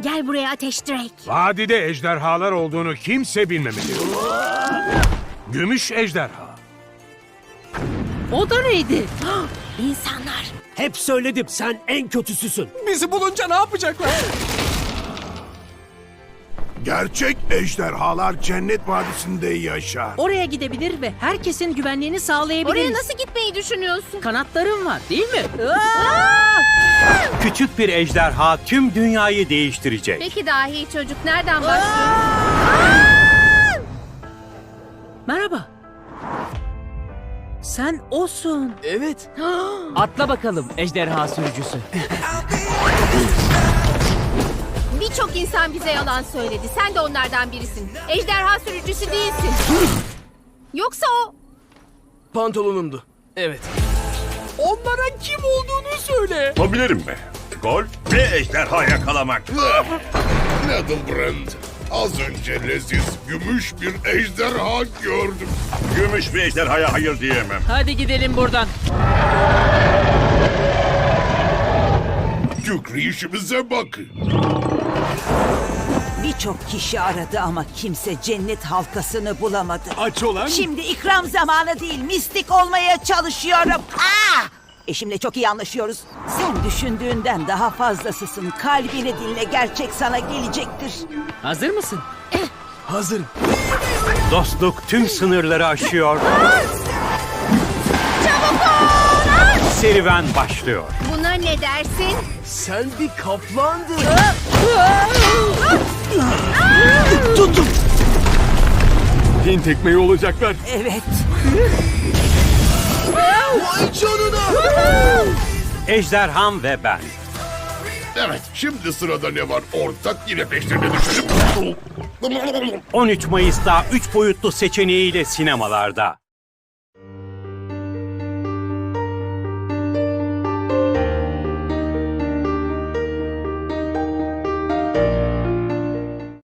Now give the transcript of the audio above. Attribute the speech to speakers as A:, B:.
A: Gel buraya Ateş Drake.
B: Vadide ejderhalar olduğunu kimse bilmemeli. Gümüş ejderha.
C: O da neydi?
A: İnsanlar.
D: Hep söyledim, sen en kötüsüsün.
E: Bizi bulunca ne yapacaklar?
F: Gerçek ejderhalar cennet vadisinde yaşar.
C: Oraya gidebilir ve herkesin güvenliğini sağlayabiliriz.
A: Oraya nasıl gitmeyi düşünüyorsun?
C: Kanatlarım var değil mi?
G: Küçük bir ejderha tüm dünyayı değiştirecek.
A: Peki dahi çocuk nereden başlıyor?
C: Merhaba. Sen osun.
E: Evet.
D: Atla bakalım ejderha sürücüsü.
A: Birçok insan bize yalan söyledi. Sen de onlardan birisin. Ejderha sürücüsü değilsin. Yoksa o...
E: Pantolonumdu. Evet. Onlara kim olduğunu söyle.
H: Yapabilirim mi? Gol ve ejderha yakalamak.
F: Nettlebrand, az önce leziz gümüş bir ejderha gördüm.
H: Gümüş bir ejderhaya hayır diyemem.
C: Hadi gidelim buradan.
F: Kükri işimize bakın.
I: Birçok kişi aradı ama kimse cennet halkasını bulamadı.
E: Aç olan.
I: Şimdi ikram zamanı değil, mistik olmaya çalışıyorum. Eşimle çok iyi anlaşıyoruz. Sen düşündüğünden daha fazlasısın. Kalbini dinle, gerçek sana gelecektir.
C: Hazır mısın?
E: Hazırım.
G: Dostluk tüm sınırları aşıyor. Serüven başlıyor.
A: Buna ne dersin?
E: Sen bir kaplandın.
I: Tutun.
E: Bin tekmeyi olacaklar.
I: Evet.
E: Vay canına.
G: Ejderham ve ben.
F: Evet, şimdi sırada ne var? Ortak yine peşlerine düşelim.
G: 13 Mayıs'ta 3 boyutlu seçeneğiyle sinemalarda.